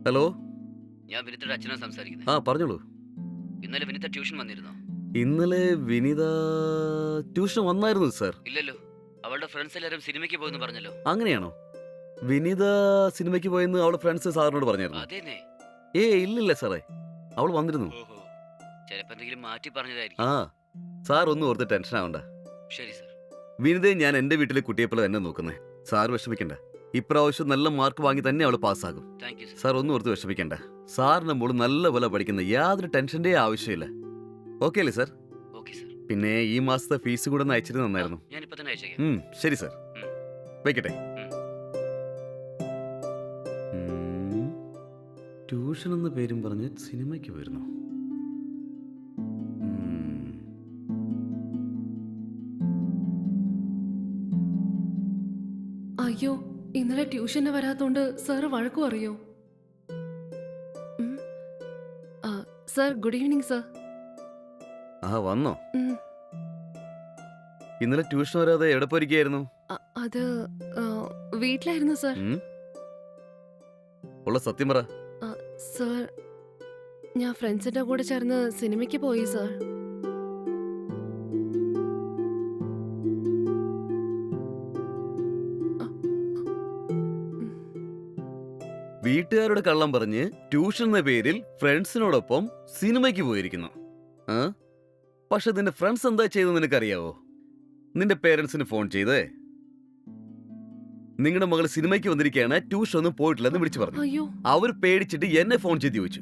Hello. ഞാൻ വിനിതയുടെ അച്ഛനാ സംസാരിക്കുന്നത്. പറഞ്ഞോളൂ. ഇന്നലെ വിനിത ട്യൂഷൻ വന്നിരുന്നോ? ഇന്നലെ വിനിത ട്യൂഷൻ വന്നായിരുന്നു സർ. ഇല്ലല്ലോ. അവളുടെ ഫ്രണ്ട്സ് എല്ലാവരും സിനിമയ്ക്ക് പോയെന്ന് പറഞ്ഞല്ലോ. അങ്ങനെയാണോ? വിനിത സിനിമയ്ക്ക് പോയെന്ന് അവളുടെ ഫ്രണ്ട്സ് സാറിനോട് പറഞ്ഞായിരുന്നു? അതേന്നെ. ഇല്ലില്ല സാറേ, അവൾ വന്നിരുന്നു. ഓഹോ. ചിലപ്പോൾ എന്തെങ്കിലും മാറ്റി ആ പറഞ്ഞതായിരിക്കും. സാർ ഒന്നും ഓർത്ത് ടെൻഷൻ ആവണ്ട. ശരി സർ. വിനിതയെ ഞാൻ എൻ്റെ വീട്ടിലെ കുട്ടിയെപ്പോലെ തന്നെ നോക്കുന്നത്. സാർ വിഷമിക്കണ്ട. ഇപ്രാവശ്യം നല്ല മാർക്ക് വാങ്ങി തന്നെ അവൾ പാസ്സാകും. Thank you sir. സാർ ഒന്നും ഓർത്ത് വിഷമിക്കണ്ട. സാറിന്റെ മോള് നല്ല പോലെ പഠിക്കുന്ന യാതൊരു ടെൻഷൻ്റെ ആവശ്യമില്ല. ഓക്കെ അല്ലേ സാർ? Okay sir. പിന്നെ ഈ മാസത്തെ ഫീസ് കൂടെ ഒന്ന് അയച്ചിട്ട് നന്നായിരുന്നു. ഞാനിപ്പോൾ തന്നെ അയച്ചേക്കാം. ശരി സാർ. ഉം. വെക്കട്ടെ. ഉം. ട്യൂഷൻ എന്ന പേരും പറഞ്ഞ് സിനിമയ്ക്ക് വരുന്നു. അയ്യോ, ഇന്നലെ ട്യൂഷന് വരാത്തോണ്ട് സാറ് വഴക്കു അറിയോ? Sir, good evening sir. വന്നോ? ഉം, ഇന്നലെ ട്യൂഷൻ വരാതെ എവിടെ പോയിരിക്കുകയായിരുന്നു? അത് വീട്ടിലായിരുന്നു സർ. ഉള്ള സത്യം പറ. സർ, ഞാൻ ഫ്രണ്ട്സിന്റെ കൂടെ ചേർന്ന് സിനിമയ്ക്ക് പോയി സർ. വീട്ടുകാരുടെ കള്ളം പറഞ്ഞ് ട്യൂഷൻ എന്ന പേരിൽ ഫ്രണ്ട്സിനോടൊപ്പം സിനിമയ്ക്ക് പോയിരിക്കുന്നു. പക്ഷെ നിന്റെ ഫ്രണ്ട്സ് എന്താ ചെയ്തെന്ന് നിനക്കറിയാവോ? നിന്റെ പേരൻസിന് ഫോൺ ചെയ്തേ നിങ്ങളുടെ മകൾ സിനിമയ്ക്ക് വന്നിരിക്കുകയാണ്, ട്യൂഷൻ ഒന്നും പോയിട്ടില്ലെന്ന് വിളിച്ചു പറഞ്ഞു. അയ്യോ, അവർ പേടിച്ചിട്ട് എന്നെ ഫോൺ ചെയ്ത് ചോദിച്ചു.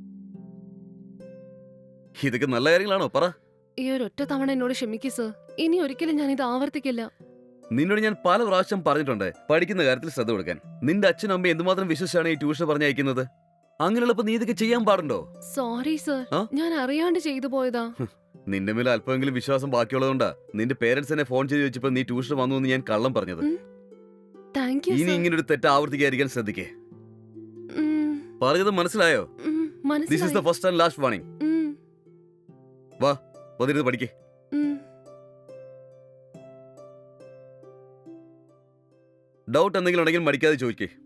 ഇതൊക്കെ നല്ല കാര്യങ്ങളാണോ പറ? ഈ ഒരൊറ്റ തവണ എന്നോട് ക്ഷമിക്കൂ സർ. ഇനി ഒരിക്കലും ഞാൻ ഇത് ആവർത്തിക്കില്ല. നിന്നോട് ഞാൻ പല പ്രാവശ്യം പറഞ്ഞിട്ടുണ്ട് പഠിക്കുന്ന കാര്യത്തിൽ ശ്രദ്ധ കൊടുക്കാൻ. നിന്റെ അച്ഛനും അമ്മയും എന്തുമാത്രം വിശ്വസിച്ചാണ് ഈ ട്യൂഷൻ പറഞ്ഞയക്കുന്നത്. അങ്ങനെയുള്ളപ്പോ നീ ഇതൊക്കെ ചെയ്യാൻ പാടുണ്ടോ? സോറി സർ, ഞാൻ അറിയാണ്ട് ചെയ്തു പോയതാ. നിന്റെ മേലെ അല്പമെങ്കിലും വിശ്വാസം ബാക്കിയുള്ളതുകൊണ്ടാ നിന്റെ പേരൻസ് എന്നെ ഫോൺ ചെയ്ത് ചോദിച്ചപ്പോ നീ ട്യൂഷൻ വന്നു എന്ന് ഞാൻ കള്ളം പറഞ്ഞത്. താങ്ക് യു ഇനി സർ. ഇങ്ങനെ ഒരു തെറ്റ് ആവർത്തിക്കാതിരിക്കാൻ ശ്രദ്ധിക്കേ. പറഞ്ഞത് മനസ്സിലായോ? This is the first and last warning. വാ, വന്നിരുന്ന് പഠിക്കേ. ഡൗട്ട് എന്തെങ്കിലും ഉണ്ടെങ്കിൽ മടിക്കാതെ ചോദിക്കേ.